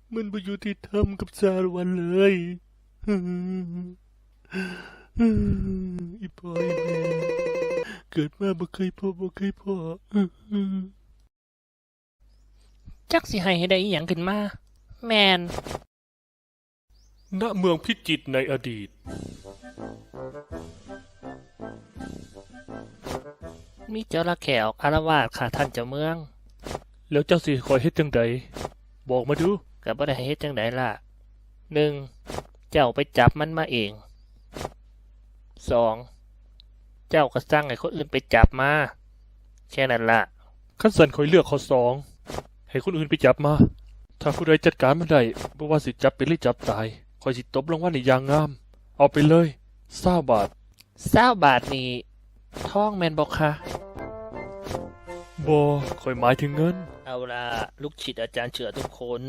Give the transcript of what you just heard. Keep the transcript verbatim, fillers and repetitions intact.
มันบ่ยุติธรรมกับสารวันเลยอีพ่ออีแม่เกิดมาบ่เคยพบบ่เคยพอจักสิให้ให้ได้อีหยังขึ้นมาแม่นณเมืองพิจิตรในอดีตมีเจ้าละแขวอารวาสค่ะท่านเจ้าเมืองแล้วเจ้าสิคอยเฮ็ดจังใดบอกมาดูก็บ่ได้เฮ็ดจังไดล่ะหนึ่งเจ้าไปจับมันมาเองสองเจ้าก็สั่งให้คนอื่นไปจับมาแค่นั้นล่ะคันสั่นคอยเลือกข้อสองให้คนอื่นไปจับมาถ้าผู้ใดจัดการมันได้บ่ว่าสิจับเป็นหรือจับตายคอยสิตบรางวัลให้อย่างงามเอาไปเลยยี่สิบบาทยี่สิบบาทนี่ทองแม่นบ่คะบ่คอยหมายถึงเงินเอาล่ะลูกศิษย์อาจารย์เชื่อทุกคน